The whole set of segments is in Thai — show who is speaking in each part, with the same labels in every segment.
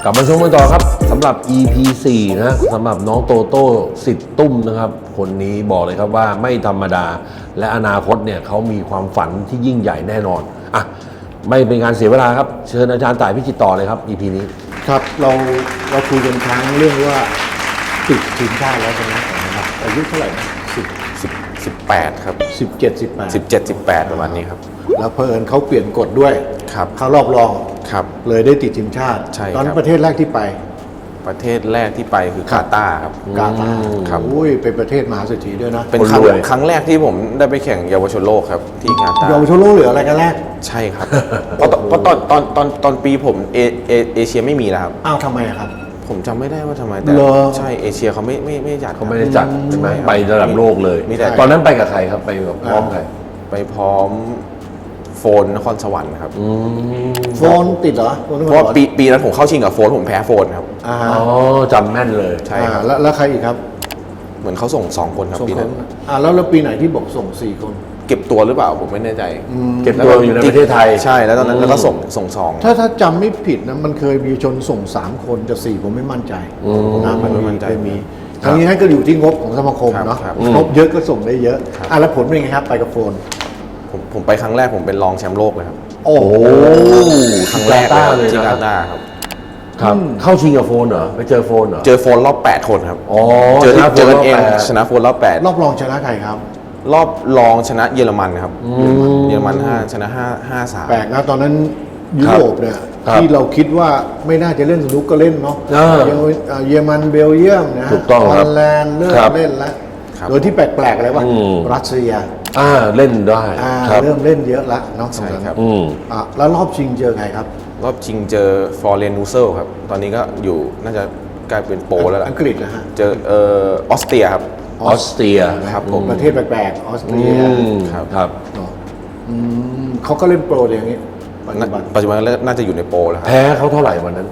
Speaker 1: กลับมาชมกันต่อครับสำหรับ EP 4นะสำหรับน้องโตโต้สิทธิ์ตุ้มนะครับคนนี้บอกเลยครับว่าไม่ธรรมดาและอนาคตเนี่ยเขามีความฝันที่ยิ่งใหญ่แน่นอนอ่ะไม่เป็นการเสียเวลาครับเชิญอาจารย์ต่ายพิจิตรต่อเลยครับ EP นี้
Speaker 2: ครับเราคุยกันครั้งเรื่องว่าติดทีมชาติแล้วใช่ไหมครับอายุเท่าไหร่นะ
Speaker 3: 18ครับ
Speaker 2: 17 18
Speaker 3: ประมาณนี้ครับ
Speaker 2: แล้วเพอิญเขาเปลี่ยนกฎด้วย
Speaker 3: ครับ
Speaker 2: เขารอบรอง
Speaker 3: ครับ
Speaker 2: เลยได้ติดทีมชาติ
Speaker 3: ใช่ครับ
Speaker 2: ตอนนั้นประเทศแรกที่ไป
Speaker 3: ประเทศแรกที่ไปคือกาตาร์ครับ
Speaker 2: กาตาร์
Speaker 3: ครับ
Speaker 2: อุ้ยเป็นประเทศมหาเศรษฐีด้วยนะ
Speaker 3: เป็นครั้งแรกที่ผมได้ไปแข่งเยาวชนโลกครับที่กาตาร์
Speaker 2: เยาวชนโลกเหลืออะไรกันแรก
Speaker 3: ใช่ครับเพราะตอนปีผมเอเชียไม่มีแล้วครับ
Speaker 2: อ้าวทำไมครับ
Speaker 3: ผมจำไม่ได้ว่าทำไมแต่ใช่เอเชียเขาไม่จัด
Speaker 1: เขาไม่ได้จัดใช่ไหมไประดับโลกเลยตอนนั้นไปกับใครครับไปกับพร้อมใคร
Speaker 3: ไปพร้อมโฟนนครสวรรค์ครับ
Speaker 2: โฟนติดเหรอ
Speaker 3: เพราะปีนั้นผมเข้าชิงกับโฟนผมแพ้โฟนครับ
Speaker 1: อ๋อจำแม่นเลย
Speaker 3: ใช่ครับ
Speaker 2: แล้วใครอีกครับ
Speaker 3: เหมือนเขาส่ง2 คนครับปีนั้น
Speaker 2: แล้วปีไหนที่บอกส่ง4 คน
Speaker 3: เก็บตัวหรือเปล่าผมไม่แน่ใจ
Speaker 1: เก็บตัวอยู่ในประเทศไทย
Speaker 3: ใช่แล้วตอนนั้นแล้วก็ส่ง2
Speaker 2: ถ้าจำไม่ผิดนะมันเคยมีชนส่ง3 คนจะ4ผมไม่มั่นใจนะมันไม่มั่นใจมีครั้งนี้ให้ก็อยู่ที่งบของสมาคมเนาะงบเยอะก็ส่งได้เยอะแล้วผลเป็นไงครับไปกับโฟน
Speaker 3: ผมไปครั้งแรกผมเป็นรองแชมป์โลกเลยครับ
Speaker 1: โอ้โห
Speaker 3: ครั้งแรกเลยที่กาตาร์ครับ
Speaker 1: ครับเข้าชิงกับโฟนเหรอไปเจอโฟนเหรอ
Speaker 3: เจอโฟนรอบ8 คนครับ
Speaker 1: อ๋อ
Speaker 3: เจอกันเองชนะโฟนรอบ8
Speaker 2: รอบรองชนะใครครับ
Speaker 3: รอบรองชนะเยอรมันครับเยอรมัน5ชนะ5-3
Speaker 2: แปลกนะตอนนั้นยุโรปเนี่ยที่เราคิดว่าไม่น่าจะเล่นสนุกก็เล่นเนาะเยอรมันเบลเยียมนะฮอลแลนด์เริ่มเล่นแล้วโดยที่แปลกๆอะไรวะรัสเซีย
Speaker 1: เล่นได้
Speaker 2: เริ่มเล่นเยอะละเนาะ
Speaker 3: ใช่ครับ
Speaker 2: แล้วรอบชิงเจอใครครับ
Speaker 3: รอบชิงเจอฟอร์เรนนูเซลครับตอนนี้ก็อยู่น่าจะกลายเป็นโปรแล้วล่ะ
Speaker 2: อังกฤษนะฮะ
Speaker 3: เจอออสเตรียครับ
Speaker 1: ออสเตรีย
Speaker 3: ครับผม
Speaker 2: ประเทศแปลกๆออสเตรีย
Speaker 1: ครับ
Speaker 2: เขาก็เล่นโปรอย่างนี้
Speaker 3: ปัจจุบันน่าจะอยู่ในโปรแล้วครับ
Speaker 1: แพ้เขาเท่าไหร่วันนั้น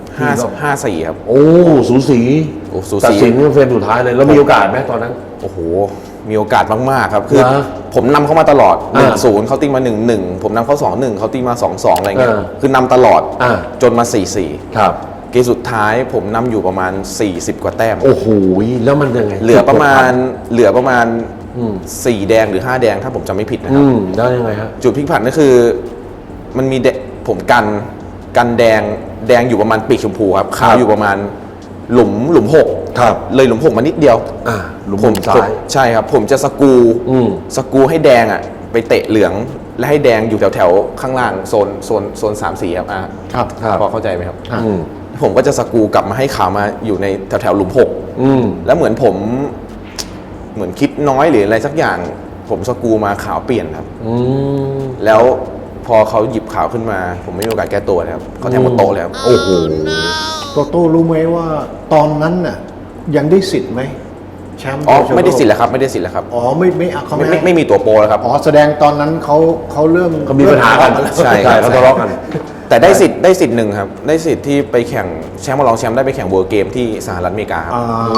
Speaker 3: 5-4ครับ
Speaker 1: โอ้สูสีตัดสินเฟรมสุดท้ายเลยแล้วมีโอกาสไหมตอนนั้น
Speaker 3: โอ้โหมีโอกาสมากๆครับคือผมนำเข้ามาตลอด 1-0 เขาตีมา 1-1 ผมนำเขา 2-1 เขาตีมา 2-2 อะไรเงี้ยคือนำตลอดจนมา 4-4
Speaker 1: ครับ
Speaker 3: เกมสุดท้ายผมนำอยู่ประมาณ40 กว่าแต้ม
Speaker 1: โอ้โหแล้วมันยังไง
Speaker 3: เหลือประมาณ4 แดงหรือ5 แดงถ้าผมจำไม่ผิดนะครับ
Speaker 1: ได้ยังไงฮะ
Speaker 3: จุดพลิกผันก็คือมันมีผมกันแดงอยู่ประมาณปีกชมพูครับขาวอยู่ประมาณหลุม6
Speaker 1: ครับ
Speaker 3: เลยหลุม6มานิดเดียว
Speaker 1: หลุมซ้าย
Speaker 3: ใช่ครับผมจะสกูให้แดงอ่ะไปเตะเหลืองและให้แดงอยู่แถวข้างล่างโซน3 สีครับ
Speaker 2: ครับ
Speaker 3: พอเข้าใจไหมครับผมก็จะสกูกลับมาให้ขาวมาอยู่ในแถวหลุม6แล้วเหมือนผมเหมือนคิดน้อยหรืออะไรสักอย่างผมสกูมาขาวเปลี่ยนครับแล้วพอเขาหยิบขาวขึ้นมาผมไม่มีโอกาสแก้ตัวเลยครับเขาแทงหมดโต๊ะเลยครับ
Speaker 1: โอ้โห
Speaker 2: โต้รู้ไหมว่าตอนนั้นน่ะยังได้สิทธิ์ไหมแชมป์
Speaker 3: ไม่ได้สิทธิ์แล้วครับไม่ได้สิทธิ์แล้วครับ
Speaker 2: เขา
Speaker 3: ไม่มีตัวโปรแล้วครับ
Speaker 2: แสดงตอนนั้นเขาเริ่ม
Speaker 1: มีปัญหากัน
Speaker 3: ใช่
Speaker 1: เขาทะเลาะกัน
Speaker 3: แต่ได้สิทธิ์หนึ่งครับได้สิทธิ์ที่ไปแข่งแชมป์รองแชมป์ได้ไปแข่งเวิลด์เกมที่สหรัฐอเมริกาครับ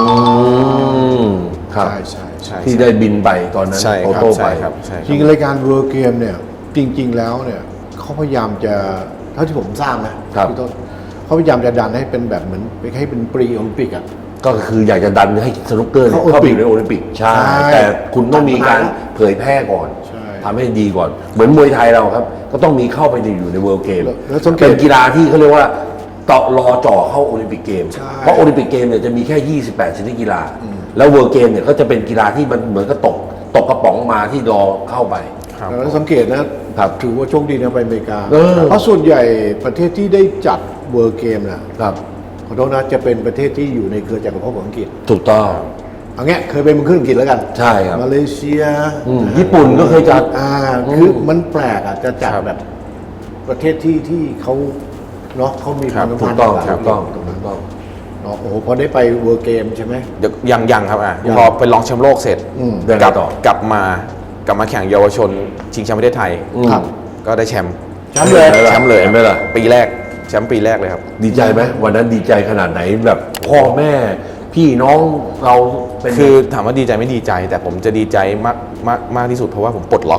Speaker 1: ครับใช่ที่ได้บินไปตอนนั้น
Speaker 3: โอโต้ไปครับ
Speaker 2: จริงรายการเวิลด์เกมเนี่ยจริงๆแล้วเนี่ยเขาพยายามจะเท่าที่ผมทราบนะพี่ต้นเขาพยายามจะดันให้เป็นแบบเหมือนไปให้เป็นปรีโอลิมปิกอ่ะ
Speaker 1: ก็คืออยากจะดันให้สนุกเกอร์เข้าไปในโอลิมปิกใช่แต่คุณต้องมีการเผยแพร่ก่อนทำให้ดีก่อนเหมือนมวยไทยเราครับก็ต้องมีเข้าไปอยู่ในเวิลด์เกมเป็นกีฬาที่เขาเรียกว่าต่อรอจ่อเข้าโอลิมปิกเกมเพราะโอลิมปิกเกมเนี่ยจะมีแค่28ชนิดกีฬาแล้วเวิลด์เกมเนี่ยก็จะเป็นกีฬาที่มันเหมือนกับตกกระป๋องมาที่รอเข้าไป
Speaker 2: แล้วสังเกตนะถือว่าโชคดีนะไปอเมริกาเพราะส่วนใหญ่ประเทศที่ได้จัดเวิลด์เกมนะครับขอโทษนะจะเป็นประเทศที่อยู่ในเครือจักรภพของอังกฤษ
Speaker 1: ถูกต้อง
Speaker 2: เอางี้เคยเป็นเมืองขึ้นอังกฤษแล้วกัน
Speaker 1: ใช่ครับ
Speaker 2: มาเลเซีย
Speaker 1: ญี่ปุ่นก็เคยจัด
Speaker 2: คือมันแปลกจะจัดแบบประเทศที่เขาเนาะเขามีความสัมพันธ์
Speaker 1: ถูกต้อง
Speaker 2: โอ้โหพอได้ไปเวิลด์เกมใช่ไหม
Speaker 3: ยังครับพอไปลองแชมป์โลกเสร็จกลับมาแข่งเยาวชนชิงแชมป์ประเทศไทยก็ได้แชมป์เลย
Speaker 1: ไหมล่ะ
Speaker 3: ปีแรกแชมป์ปีแรกเลยครับ
Speaker 1: ดีใจไหมวันนั้นดีใจขนาดไหนแบบพ่อแม่พี่น้องเรา
Speaker 3: คือถามว่าดีใจไม่ดีใจแต่ผมจะดีใจมากที่สุดเพราะว่าผมปลดล็อก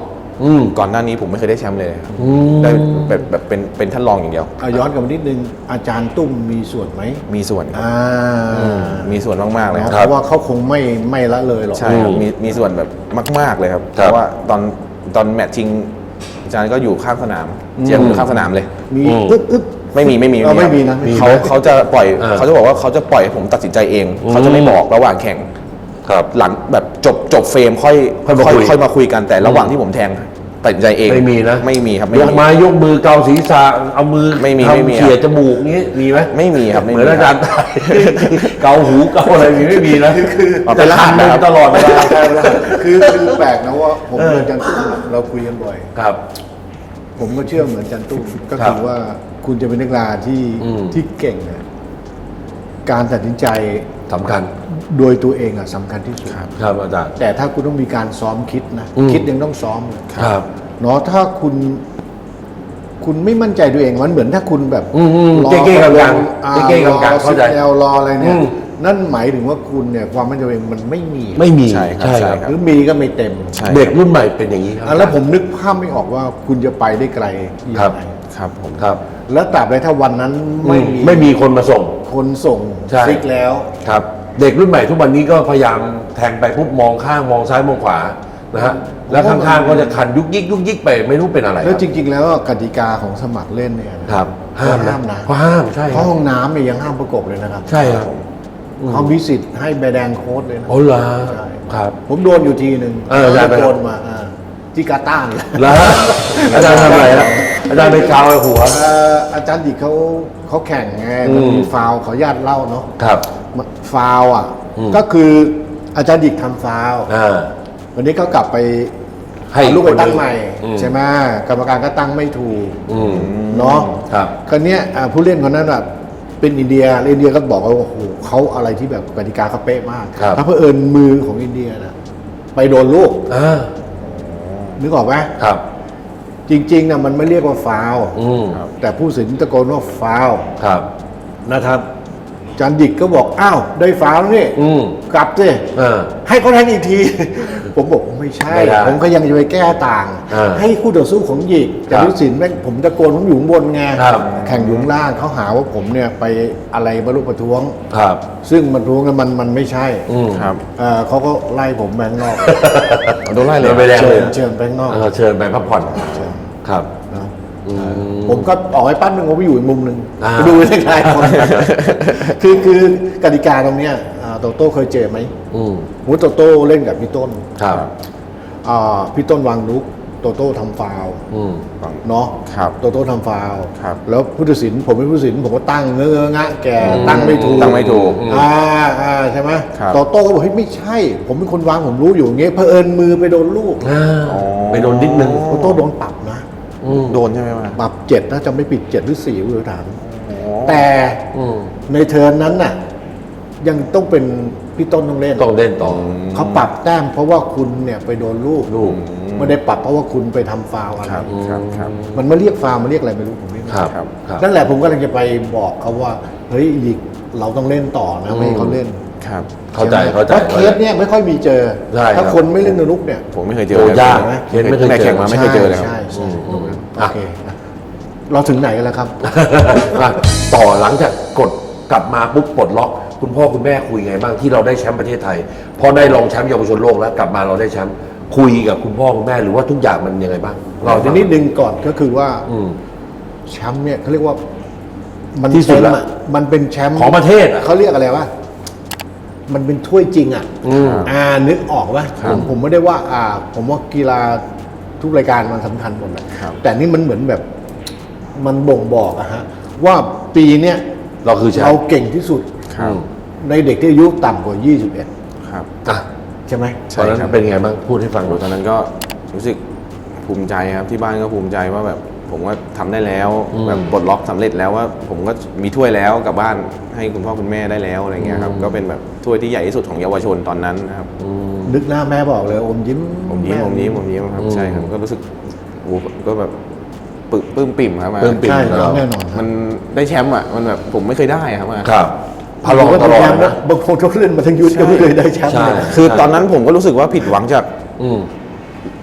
Speaker 3: ก่อนหน้านี้ผมไม่เคยได้แชมป์เลยครับได้แบบเป็นท่านรองอย่างเดียว
Speaker 2: ย้อนกลับมานิดนึงอาจารย์ตุ้มมีส่วนไหม
Speaker 3: มีส่วนครับมีส่วนมากๆเลยค
Speaker 2: เพ
Speaker 3: รับ
Speaker 2: ราะว่าเขาคงไม่ละเลยหรอก
Speaker 3: ใช่ครับมีส่วนแบบมาก ๆเลยครับเพราะว่าตอนแมตช์ชิงอาจารย์ก็อยู่ข้างสนามเจียมอยู่ข้างสนามเลย
Speaker 2: มีอึ๊บ
Speaker 3: ไม่มี
Speaker 2: ไม่มีนะ
Speaker 3: เขาจะปล่อยเขาจะบอกว่าเขาจะปล่อยให้ผมตัดสินใจเองเขาจะไม่บอกระหว่างแข่ง
Speaker 1: ครับ
Speaker 3: หลังแบบจบเฟรมค่อยมาคุยกันแต่ระหว่างที่ผมแทงตัดสินใจเอง
Speaker 1: ไม่มีนะ
Speaker 3: ไม่มีครับ
Speaker 1: ยกไม้ยกมือเกาศีรษะเอามือ
Speaker 3: ไม่มี
Speaker 1: ทำเขี่ยจมูกงี้มีไหม
Speaker 3: ไม่มีครับ
Speaker 1: เหมือนอาจารย์ตายเกาหูเกาอะไรอย่างงี้ไม่มีนะ
Speaker 3: เป็นรหัส
Speaker 1: จะ
Speaker 3: นะครับ
Speaker 1: ตลอดเวลา
Speaker 2: คือแปลกนะว่าผมกับอาจารย์ตุ้มเราคุยกันบ่อย
Speaker 1: ครับ
Speaker 2: ผมก็เชื่อเหมือนอาจารย์ตุ้มก็
Speaker 1: ครั
Speaker 2: คื
Speaker 1: บ
Speaker 2: อว่าคุณจะเป็นนักกีฬาที่เก่งเนี่ยการตัดสินใจ
Speaker 1: สำคัญ
Speaker 2: โดยตัวเองสำคัญที่สุด
Speaker 1: ครับอาจารย์
Speaker 2: แต่ถ้าคุณต้องมีการซ้อมคิดนะคิดยังต้องซ้อมเลย
Speaker 1: ครับ
Speaker 2: เนาะถ้าคุณไม่มั่นใจตัวเองมันเหมือนถ้าคุณแบบ รอ
Speaker 1: เก้ๆกลาง
Speaker 2: อ่
Speaker 1: ๆเก้ๆกลางๆเข้าใจ
Speaker 2: รอรออะไรเนี่ย
Speaker 1: อืม
Speaker 2: นั่นหมายถึงว่าคุณเนี่ยความมั่นใจตัวเองมันไม่มี
Speaker 1: ไม่มี
Speaker 3: ใช่ครับ
Speaker 1: ใช่
Speaker 3: ใช่
Speaker 1: ครับ
Speaker 3: ครับ
Speaker 2: หรือมีก็ไม่เต็ม
Speaker 3: ใช่
Speaker 1: เด็กรุ่นใหม่เป็นอย่างนี้ครับ
Speaker 2: แล้วผมนึกภาพไม่ออกว่าคุณจะไปได้ไกลอย่า
Speaker 1: ครับ
Speaker 2: งไร
Speaker 3: ครับผม
Speaker 1: ครับ
Speaker 2: แล้วตราบใดถ้าวันนั้นไม่
Speaker 1: ไม่มีคนมาส่ง
Speaker 2: คนส่ง
Speaker 1: ใช่
Speaker 2: ซิกแล้ว
Speaker 1: ครับ เด็กรุ่นใหม่ทุกวันนี้ก็พยายามแทงไปปุ๊บมองข้างมองซ้ายมองขวานะฮะแล้วข้างๆก็จะคันยุกยิกไปไม่รู้เป็นอะไร
Speaker 2: แล้วจริง ๆ แล้วกติกาของสมัครเล่นเนี่ยนะครับ
Speaker 1: ห้าม
Speaker 2: ห้ามนะ
Speaker 1: เขาห้ามใช่
Speaker 2: เพราะห้องน้ำเนี่ยยังห้ามประกบเลยนะครับ
Speaker 1: ใช่ครับ
Speaker 2: เขามีสิทธิ์ให้ใบแดงโค้ดเลยนะ
Speaker 1: โอ้เหรอ
Speaker 2: ใช่
Speaker 1: ครับ
Speaker 2: ผมโดนอยู่ทีหนึ่ง
Speaker 1: อาจารย์ไป
Speaker 2: โดนมาที่กาตาร์เนี่ย
Speaker 1: แล้วอาจารย์ทำอะไรนะอาจารย์ไปกาวหัว
Speaker 2: อาจารย์ดิเขาแข่งไงมันมีฟาวล์ขออนุญาตเล่าเนาะ
Speaker 1: ครับ
Speaker 2: ฟาวล์ก็คืออาจารย์ดิกทำฟาวล์
Speaker 1: อ่า
Speaker 2: วันนี้ก็กลับไป
Speaker 1: ให้
Speaker 2: เอาลูกไปตั้ง
Speaker 1: คนหนึ่ง
Speaker 2: ใหม่ ใช่ไหมกรรมการก็ตั้งไม่ถูก
Speaker 1: อืม
Speaker 2: เนาะ
Speaker 1: ครับ
Speaker 2: คราวเนี้ยผู้เล่นคนนั้นเป็นอินเดียแล้วอินเดียก็บอกว่าโอ้โหเขาอะไรที่แบบกติกาเขาเป๊ะมาก
Speaker 1: ครับ
Speaker 2: ถ้าเผอิญมือของอินเดียไปโดนลูก
Speaker 1: อ่า
Speaker 2: นึกออกไหม
Speaker 1: ครับ
Speaker 2: จริงๆมันไม่เรียกว่าฟาวล์
Speaker 1: อืม
Speaker 2: แต่ผู้สินตะโกนว่าฟาวล์
Speaker 1: ครับ
Speaker 2: นะครับอาจารย์ดิกก็บอกอ้าวได้ฟาวล์แล้วนี่
Speaker 1: อืม
Speaker 2: กลับสิ
Speaker 1: อ่า
Speaker 2: ให้เขาแทงอีกที ผมบอกไม่ใช่
Speaker 1: ไม่ได้
Speaker 2: ผมก็ยังจะไปแก้ต่าง ให้คู่ต่อสู้ของหยิกแต่
Speaker 1: ครับ
Speaker 2: ผู้สินแม่งผมตะโกนผมอยู่ข้างบนไง
Speaker 1: ครับ
Speaker 2: แข่งอยู่ข้างล่างเขาหาว่าผมเนี่ยไปอะไรบรรลุประท้วง
Speaker 1: ครับ
Speaker 2: ซึ่งประท้วงแล้วมันไม่ใช่
Speaker 1: อืม
Speaker 3: ครับ
Speaker 2: เขาก็ไล่ผมแบงนอก
Speaker 3: โดนไล่เลย
Speaker 1: โดนใบแดง
Speaker 2: เชิ
Speaker 1: เลย
Speaker 2: ญเชิญแบงนอก
Speaker 1: เชิญไปพักผ่อน
Speaker 2: เชิญ
Speaker 1: ครับ
Speaker 2: นะ
Speaker 1: อืม
Speaker 2: ผมก็ออกให้ปั้นหนึ่งผมไปอยู่อีกมุมหนึ่ง
Speaker 1: อ่า
Speaker 2: ไปดูในคลายคน คือกติกาตรงเนี้ยโตโต้เคยเจอไหม
Speaker 1: อืม
Speaker 2: มูโตโต้เล่นกับพี่ต้น
Speaker 1: ครับ
Speaker 2: พี่ต้นวางลุกโตโต้ทำฟาวล์
Speaker 1: อืม
Speaker 2: เนาะ
Speaker 3: ครับ
Speaker 2: โตโต้ทำฟาวล์
Speaker 3: ครับ
Speaker 2: แล้วผู้ตัดสินผมเป็นผู้ตัดสินผมก็ตั้งเงอะงะแกตั้งไม่ถูก
Speaker 3: ตั้งไม่ถูก
Speaker 2: ใช่ไหม
Speaker 3: ครับ
Speaker 2: โตโต้ก็บอกเฮ้ยไม่ใช่ ผมเป็นคนวางผมรู้อยู่อย่างเงี้ยเผอิญมือไปโดนลูก
Speaker 1: ไปโดนนิดนึง
Speaker 2: โตโต้โดนปรับนะ
Speaker 3: โดนใช่ไหมวะ
Speaker 2: ปรับ7นะจำไม่ผิด7หรือ4ผู้บริหาร แต่
Speaker 1: อืม
Speaker 2: ในเทิร์นนั้นน่ะยังต้องเป็นพี่ต้นต้องเล่น
Speaker 1: ต้องเล่นต่อ
Speaker 2: เขาปรับแต้มเพราะว่าคุณเนี่ยไปโดนลูกไม่ได้ปรับเพราะว่าคุณไปทำฟาวล์อะไร
Speaker 3: ครับครับ
Speaker 2: มันมาเรียกฟาวล์มาเรียกอะไรไม่รู้ผมไม่รู้
Speaker 1: ครับ
Speaker 3: ครับ
Speaker 1: ครับ
Speaker 2: นั่นแหละผมก็เลยจะไปบอกเขาว่าเฮ้ยลีกเราต้องเล่นต่อนะไม่ให้เขาเล่น
Speaker 3: ครับ
Speaker 1: เข้าใจ
Speaker 2: ช่ไหม
Speaker 1: เข้าใจ
Speaker 2: เพราะเคสเนี่ยไม่ค่อยมีเจอ
Speaker 1: ใช่ครับ
Speaker 2: ถ้าคนไม่เล่นนุกเนี่ย
Speaker 3: ผมไม่เคยเจอ
Speaker 1: โอ้
Speaker 3: เลย
Speaker 1: ยาก
Speaker 3: ครับ
Speaker 1: นะเคสไม่เคยเจอ
Speaker 3: แข่งมาไม่เคยเจอเลยครับ
Speaker 2: ใช่ใช่
Speaker 1: อืม
Speaker 2: โอเคนะเราถึงไหนกันแล้วครับ
Speaker 1: อ่ะต่อหลังจากกดกลับมาปุ๊บปลดล็อก คุณพ่อคุณแม่คุยไงบ้างที่เราได้แชมป์ประเทศไทย พอได้รองแชมป์เยาวชนโลกแล้วกลับมาเราได้แชมป์คุยกับคุณพ่อคุณแม่หรือว่าทุกอย่างมันยังไงบ้าง
Speaker 2: เราจะนิดนึงก่อนก็คือว่า
Speaker 1: อืม
Speaker 2: แชมป์เนี่ยเขาเรียกว่ามัน
Speaker 1: ที่สุด
Speaker 2: เต็ม
Speaker 1: ละ
Speaker 2: อะมันเป็นแชมป์
Speaker 1: ของประเทศอะ
Speaker 2: เขาเรียกอะไรวะมันเป็นถ้วยจริงอ่ะ
Speaker 1: อืม
Speaker 2: นึกออกว่าผมไม่ได้ว่าผมว่ากีฬาทุกรายการมันสำคัญหมดแหละ
Speaker 3: ครับ
Speaker 2: แต่นี่มันเหมือนแบบ มันบ่งบอกอะฮะว่าปีเนี้ย
Speaker 1: เราคือแชม
Speaker 2: เรา
Speaker 1: ป์
Speaker 2: เก่งที่สุด
Speaker 3: ครับ
Speaker 2: ในเด็กที่อายุต่ำกว่า 21
Speaker 3: ครับ
Speaker 1: อ่ะ
Speaker 2: ใช่ไหม
Speaker 3: ใช่
Speaker 1: ตอนนั้น
Speaker 3: ครับ
Speaker 1: เป็นไงบ้างพูดให้ฟังห
Speaker 3: โอ้
Speaker 1: น่อย
Speaker 3: ตอนนั้นก็รู้สึกภูมิใจครับที่บ้านก็ภูมิใจว่าแบบผมก็ทำได้แล้วแบบปลดล็อกสำเร็จแล้วว่าผมก็มีถ้วยแล้วกลับบ้านให้คุณพ่อคุณแม่ได้แล้วอะไรเงี้ยครับก็เป็นแบบถ้วยที่ใหญ่ที่สุดของเยาวชนตอนนั้นนะครับ
Speaker 2: นึกหน้าแม่บอกเลยอมยิ้ม
Speaker 3: ผมยิ้ม
Speaker 2: แ
Speaker 3: ผมยิ้มผมยิ้มครับใช่ครับก็รู้สึกโอ้ก็แบบปลื้มปิ่มครับ
Speaker 1: ปลื้มปิ่ม
Speaker 2: ใช่
Speaker 1: ครับ
Speaker 2: แน่นอน
Speaker 3: มันได้แชมป์อ่ะมันแบบผมไม่เคยได้อะครับ
Speaker 1: ครับพลองตลอดนะ
Speaker 2: บางคนเขาเล่นมาทั้งยุทธก็ไม่เคยได้แชมป์
Speaker 1: ใช่
Speaker 2: เลยนะ
Speaker 3: คือตอนนั้นผมก็รู้สึกว่าผิดหวังจาก
Speaker 1: อืม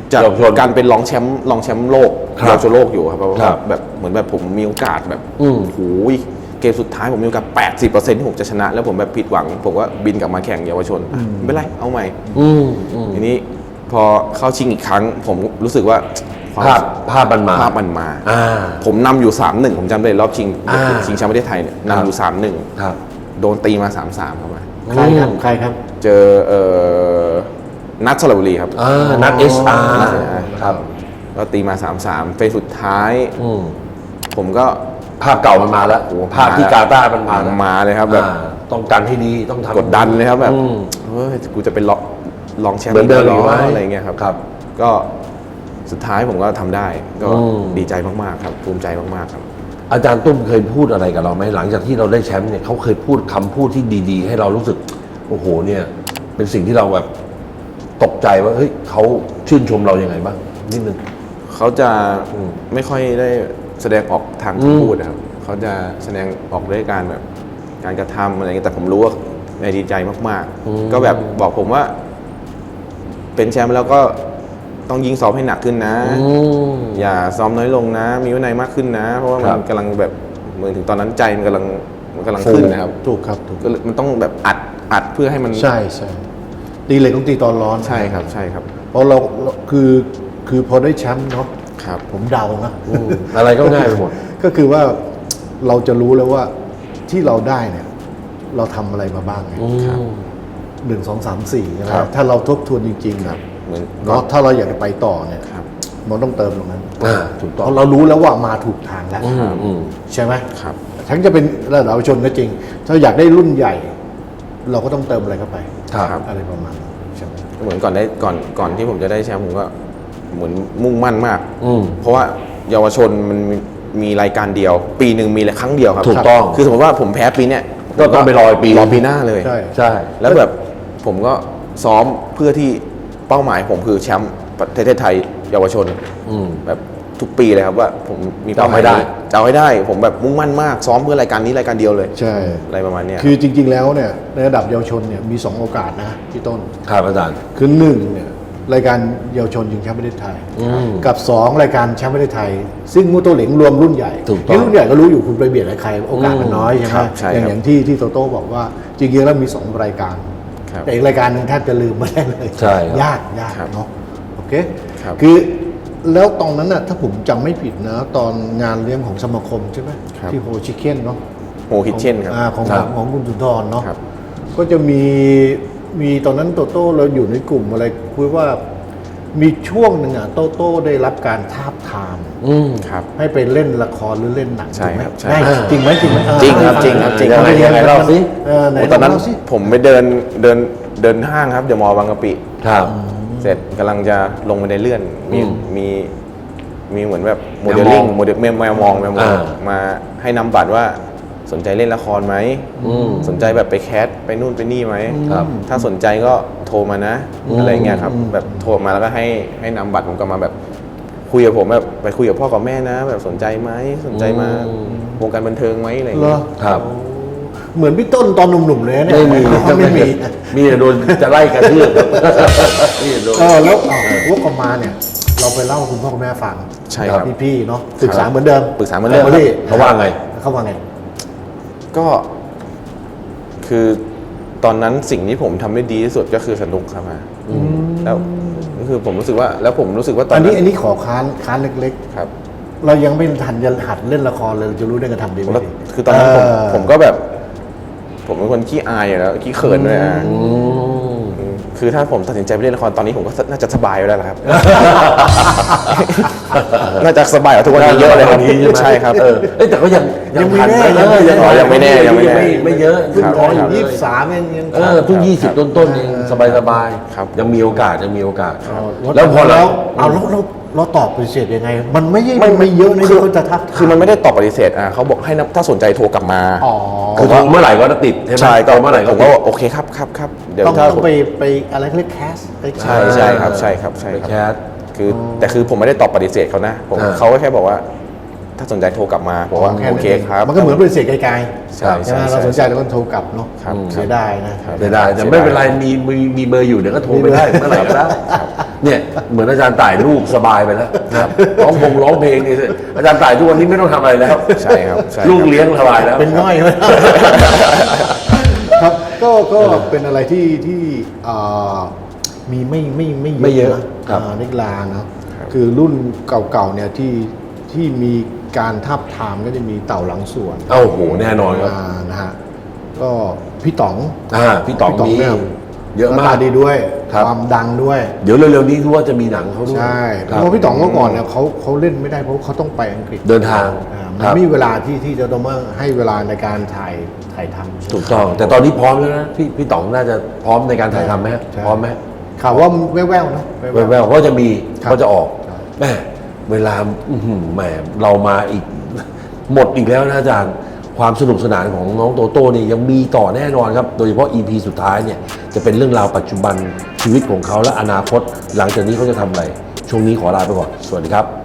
Speaker 3: จะ
Speaker 1: เยาวชน
Speaker 3: การเป็นรองแชมป์โลก
Speaker 1: ครับ
Speaker 3: เยาวชนโลกอยู่ครับเพราะ
Speaker 1: ครั
Speaker 3: ว่า
Speaker 1: บ
Speaker 3: แบบเหมือนแบบผมมีโอกาสแบบ
Speaker 1: อืม
Speaker 3: โอ้โหเกมสุดท้ายผมมีโอกาส 80%ที่ผมจะชนะ แล้วผมแบบผิดหวัง ผมก็บินกลับมาแข่งเยาวชนไม่เป็นไรเอาใหม่
Speaker 1: อืมอืม
Speaker 3: ทีนี้พอเข้าชิงอีกครั้ง ผมรู้สึกว่าความ
Speaker 1: ภาพมันมา
Speaker 3: ภาพมันมา
Speaker 1: อ่า
Speaker 3: ผมนำอยู่ 3-1 ผมจำได้รอบชิง
Speaker 1: อ่า
Speaker 3: ชิงแชมป์ประเทศไทยเนี่ย
Speaker 1: ครับ
Speaker 3: นำอยู่
Speaker 1: ครับ
Speaker 3: 3-1 โดนตีมา 3-3เข้ามา
Speaker 2: ใครครับใครครับ
Speaker 3: เจอนัทสระบุรีครับ
Speaker 1: นัด SR ครับ
Speaker 3: ก็ตีมา 3-3 เฟสสุดท้าย
Speaker 1: อืม
Speaker 3: ผมก็
Speaker 1: ภาพเก่ามันมาแล้วภาพที่กาตาร์มันมาแล้ว
Speaker 3: มาเลยครับแบบ
Speaker 1: ต้องการที่ดีต้องทำ
Speaker 3: กดดันเลยครับแบบ
Speaker 1: อืม
Speaker 3: เฮ้ยกูจะเป็นรองแชมป์
Speaker 1: เหมือนเดิม
Speaker 3: หร
Speaker 1: อยู่ไหม
Speaker 3: อะไรเงี้ยครับ
Speaker 1: ครับ
Speaker 3: ก็สุดท้ายผมก็ทำได้ก็
Speaker 1: อืม
Speaker 3: ดีใจมากๆครับภูมิใจมากๆครับ
Speaker 1: อาจารย์ตุ้มเคยพูดอะไรกับเราไหมหลังจากที่เราได้แชมป์เนี่ยเขาเคยพูดคำพูดที่ดีๆ ให้เรารู้สึกโอ้โหเนี่ยเป็นสิ่งที่เราแบบตกใจว่าเฮ้ยเขาชื่นชมเรายัางไงบ้างนิดนึง
Speaker 3: เขาจะ
Speaker 1: อืม
Speaker 3: ไม่ค่อยได้แสดงออกทางคำพูดนะครับเขาจะแสดงออกด้วยการแบบการกระทำอะไรเงี้ยแต่ผมรู้ว่าในดีใจมากๆ ก็แบบบอกผมว่า เป็นแชมป์แล้วก็ต้องยิงซ้อมให้หนักขึ้นนะ อย่าซ้อมน้อยลงนะ มีวินัยมากขึ้นนะ เพราะว่ามันกำลังแบบเหมือนถึงตอนนั้นใจมันกำลังขึ้นนะครับ
Speaker 2: ถูกครับถูก
Speaker 3: ก็เลยมันต้องแบบอัดเพื่อให้มัน
Speaker 2: ใช่ใช่ตีเหล็กต้องตีตอนร้อน
Speaker 3: ใช่ครับใช่ครับ
Speaker 2: เพราะเราคือพอได้แชมป์เนาะ
Speaker 3: ครับ
Speaker 2: ผมเดานะ
Speaker 1: อะไรก็ง่ายไปหมด
Speaker 2: ก็คือว่าเราจะรู้แล้วว่าที่เราได้เนี่ย เราทำอะไรมาบ้างไง
Speaker 3: ครับ
Speaker 2: 1 2 3 4ใช่ไหม
Speaker 3: ครับ
Speaker 2: ถ้าเราทบทวนจริงๆ
Speaker 3: ครับเหมือน
Speaker 2: เนาะถ้าเราอยากจะไปต่อเนี่ย
Speaker 3: ครับ
Speaker 2: มันต้องเติมตรงนั้น
Speaker 1: ถูกต้อง
Speaker 2: เพราะเรารู้แล้วว่ามาถูกทางแล้ว
Speaker 1: อืม
Speaker 2: ใช่ไหม
Speaker 3: ครับ
Speaker 2: ทั้งจะเป็นระดับเยาวชนก็จริง ถ้าอยากได้รุ่นใหญ่ เราก็ต้องเติมอะไรเข้าไป
Speaker 1: ครับ
Speaker 2: อะไรประมาณนั้นใช่ไหม
Speaker 3: เหมือนก่อนที่ผมจะได้แชมป์ผมก็เหมือนมุ่งมั่นมาก
Speaker 1: อืม
Speaker 3: เพราะว่าเยาวชนมันมีรายการเดียว ปีหนึ่งมีครั้งเดียวครับ
Speaker 1: ถูกต้อง
Speaker 3: คือสมมติว่าผมแพ้ปีเนี้ย
Speaker 1: ก็ต้องไปรออีกปี
Speaker 3: รอปีหน้าเลย
Speaker 2: ใช่
Speaker 1: ใช่
Speaker 3: แล้วแบบผมก็ซ้อมเพื่อที่เป้าหมายผมคือแชมป์ประเทศไทยเยาวชน
Speaker 1: อืม
Speaker 3: แบบทุกปีเลยครับว่าผมมีเป้าหมาย
Speaker 1: จะเอาให้ได้
Speaker 3: จะเอาให้ได้ ผมแบบมุ่งมั่นมากซ้อมเพื่อรายการนี้รายการเดียวเลย
Speaker 2: ใช่
Speaker 3: อะไรประมาณเนี้ย
Speaker 2: คือจริง ๆ แล้วเนี่ยในระดับเยาวชนเนี่ยมี 2 โอกาสนะพี่ต้น
Speaker 1: ครับอาจารย์
Speaker 2: คือ1เนี่ยรายการเยาวชนชิงแชมป์ประเทศไทย กับ 2 รายการแชมป์ประเทศไทย ซึ่งมูโตเหลงรวมรุ่นใหญ่
Speaker 1: ถูกต้อง
Speaker 2: รุ่นใหญ่ก็รู้อยู่คุณไปเบียดกับใครโอกาสมันน้อยใช่ไหม
Speaker 3: ครับใช่ครับ
Speaker 2: อย่างที่โตโต้บอกว่าจริงๆแล้วมี 2 รายการ
Speaker 3: ครับ
Speaker 2: แต่อีกรายการหนึงแทบจะลืมไม่ได้เลย
Speaker 1: ใช่ครับ
Speaker 2: ยาก
Speaker 3: ครับ
Speaker 2: เนาะโอเค
Speaker 3: ครับ
Speaker 2: คือแล้วตอนนั้นน่ะถ้าผมจำไม่ผิดนะ ตอนงานเลี้ยงของสมาคมใช่ไหม
Speaker 3: ครับ
Speaker 2: ที่โฮชิเก้นเนาะ
Speaker 3: โฮคิเช่นครับ
Speaker 2: ของ
Speaker 1: ครับ
Speaker 2: ของคุณสุนทรเนาะ
Speaker 3: ครับ
Speaker 2: ก็จะมีตอนนั้นโตโต้เราอยู่ในกลุ่มอะไรคุยว่ามีช่วงหนึ่งอ่ะโตโต้ได้รับการทาบทาม
Speaker 1: อืม
Speaker 3: ครับ
Speaker 2: ให้ไปเล่นละครหรือเล่นหนัง
Speaker 3: ใช่
Speaker 2: ถูกไหม
Speaker 3: ครับใช่
Speaker 2: ได้จริงไหมจริงไหม
Speaker 3: จริงครับจริงครับจริง
Speaker 1: ยังไงยังไงเล่าสิ
Speaker 2: ไหน
Speaker 3: โอ้ตอนนั้น
Speaker 2: เล่าสิ
Speaker 3: ผมไปเดินห้างครับเดี๋ยวมอบางกะปิ
Speaker 1: ครับ
Speaker 3: เสร็จกำลังจะลงไปในเลื่อนมี
Speaker 1: อืม
Speaker 3: มีเหมือนแบบโมเดลลิ่ง
Speaker 1: แมวมอง
Speaker 3: แมวมอง
Speaker 1: อ่า
Speaker 3: มาให้นำบัตรว่าสนใจเล่นละครไหม
Speaker 1: อืม
Speaker 3: สนใจแบบไปแคสไปนู่นไปนี่ไหม
Speaker 1: ครับ
Speaker 3: ถ้าสนใจก็โทรมานะ อะไรเงี้ยครับแบบโทรมาแล้วก็ให้นำบัตรผมกลับมาแบบคุยกับผมแบบไปคุยกับพ่อกับแม่นะ แบบสนใจไหมสนใจมาวงการบันเทิงไหมอะไร
Speaker 2: เหร
Speaker 3: เงี้
Speaker 2: อย
Speaker 1: ครับ
Speaker 2: เหมือนพี่ต้นตอนหนุ่มๆเลยนะเนี่ย
Speaker 1: ไม่มี
Speaker 2: ไม่มี
Speaker 1: มีแต่โดนจะไล่กระทืบนี่โดน
Speaker 2: แล้ววกกลับมาเนี่ย เราไปเล่าให้คุณพ่อคุณแม่ฟัง
Speaker 3: ใช่ครับ
Speaker 2: พี่ๆเนาะปรึกษาเหมือนเดิม
Speaker 3: ปรึกษาเหมือนเดิม
Speaker 2: พี่
Speaker 1: เขาว่าไง
Speaker 2: เขาว่าไง
Speaker 3: ก็คือตอนนั้นสิ่งที่ผมทำได้ดีที่สุดก็คือสนุกครับแล้วก็คือผมรู้สึกว่า แล้วผมรู้สึกว่าตอน
Speaker 2: อัน
Speaker 3: นั้
Speaker 2: นี้
Speaker 3: น
Speaker 2: อันนี้ขอค้านเล็ก
Speaker 3: ครับ
Speaker 2: ๆ เรายังไม่ทันจะหัดเล่นละครเลยเราจะรู้ได้กระทำดีไม่
Speaker 3: แล้ว
Speaker 2: ดี
Speaker 3: คือตอนนั้นผม
Speaker 2: เออ
Speaker 3: ผมก็แบบ ผมเป็นคนขี้อายอยู่แล้วขี้เขินด้วยอ่ะคือถ้าผมตัดสินใจไปเล่นละครตอนนี้ผมก็น่าจะสบายไปแล้วล่ะครับ น่าจะสบายกว่าทุกวันนี้เยอะเลยครับ
Speaker 1: นี้ใช่ไหม
Speaker 3: ใช่ครับ
Speaker 1: เอ้ยแต่ก็ยังทันนะ
Speaker 3: ยังไม่แน่ยังไม่แน่
Speaker 1: ไม่เยอะ
Speaker 2: เพิ่ง
Speaker 3: ครับ
Speaker 2: ท้องอ
Speaker 3: ครั
Speaker 2: ยู่
Speaker 3: บ
Speaker 2: 23เองยัง
Speaker 1: เพิ่ง20 ต้นๆเองสบาย
Speaker 3: ครับ
Speaker 1: ยังมีโอกาสยังมีโอกาส
Speaker 2: แล้
Speaker 1: แล้ว วพอ
Speaker 2: แล้
Speaker 1: เรา
Speaker 2: วเอาแล้วเราตอบปฏิเสธยังไง มันไม่เยอะนะที่เขาจะทัก
Speaker 3: คือมันไม่ได้ตอบปฏิเสธเขาบอกให้ถ้าสนใจโทรกลับมา
Speaker 2: อ๋อ
Speaker 1: คือเมื่อไหร่ก็ติดใช่ไหม
Speaker 3: ใช่ก็
Speaker 1: เมื่อไหร่
Speaker 3: ผ
Speaker 1: ก็
Speaker 3: ม
Speaker 1: ติ
Speaker 3: ก็
Speaker 1: ด
Speaker 3: โอเคครับเดี๋ยว
Speaker 2: ต้อง
Speaker 3: ถ้า
Speaker 2: ไปอะไรเขาเรียกแคส
Speaker 3: ใช่ครับใช่ครับ
Speaker 1: ไปแคส
Speaker 3: คือแต่คือผมไม่ได้ตอบปฏิเสธเขานะผม
Speaker 1: อ่า
Speaker 3: เขาก็แค่บอกว่าถ้าสนใจโทรกลับมาบอกว่าโอเคครับ
Speaker 2: มันก็เหมือนเป็นเศษไกล
Speaker 3: ใช่
Speaker 2: ๆใช่ไหมเราสนใจเราก็โทรกลับเนาะ
Speaker 3: ครับ
Speaker 2: เสียดายนะ
Speaker 1: เสียดายแต่ไม่เป็นไรมีเบอร์อยู่เดี๋ยวก็โทรไปได้เมื่อไหร่ก็ได้เนี่ยเหมือนอาจารย์ต่ายลูกสบายไปแล้วนะครับร้องเพลงนี่อาจารย์ต่ายทุกวันนี้ไม่ต้องทำอะไรแล้ว
Speaker 3: ใช่ครับใช่ครับ
Speaker 1: ลูกเลี้ยงสบายแล้ว
Speaker 2: เป็นง่อยไหม ครับก็เป็นอะไรที่มีไม่เยอะนะครับ นักกีฬาเนาะคือรุ่นเก่าๆเนี่ยที่มีการทับทามก็จะมีเต่าหลังสวน
Speaker 1: โอ้โหแน่นอนครับ
Speaker 2: นะฮะก็พี่ต๋อง
Speaker 1: พี่ต๋องมี
Speaker 2: นี่
Speaker 1: เยอะมาก
Speaker 2: หน้ตดีด้วย
Speaker 1: ครับ
Speaker 2: ความดังด้วย
Speaker 1: เดี๋ยวเร็วๆนี้รู้ว่าจะมีหนังเขาด้วย
Speaker 2: ใช่
Speaker 1: ค
Speaker 2: เพ
Speaker 1: รับ
Speaker 2: ราะว่าพี่ต๋องเมื่อก่อนเนี่ยเขาเล่นไม่ได้เพราะเขาต้องไปอังกฤษ
Speaker 1: เดินทาง
Speaker 2: มัน
Speaker 1: ครับ
Speaker 2: ไม่มีเวลาที่จะต้องมาให้เวลาในการถ่ายทำ
Speaker 1: ถูกต้อง แต่ตอนนี้พร้อมแล้วนะพี่ต๋องน่าจะพร้อมในการถ่ายทำไหมฮะ
Speaker 2: ใช่
Speaker 1: พร้อมไหม
Speaker 2: ข่าวว่าแว่วๆนะ
Speaker 1: แววๆก็จะมี
Speaker 2: ครับ
Speaker 1: ก็จะออก
Speaker 2: ครับ
Speaker 1: แม่เวลาแหมเรามาอีก หมดอีกแล้วนะอาจารย์ความสนุกสนานของน้องโตโต้เนี่ยยังมีต่อแน่นอนครับ โดยเฉพาะ EP สุดท้ายเนี่ยจะเป็นเรื่องราวปัจจุบันชีวิตของเขาและอนาคต หลังจากนี้เขาจะทำอะไร ช่วงนี้ขอลาไปก่อน สวัสดีครับ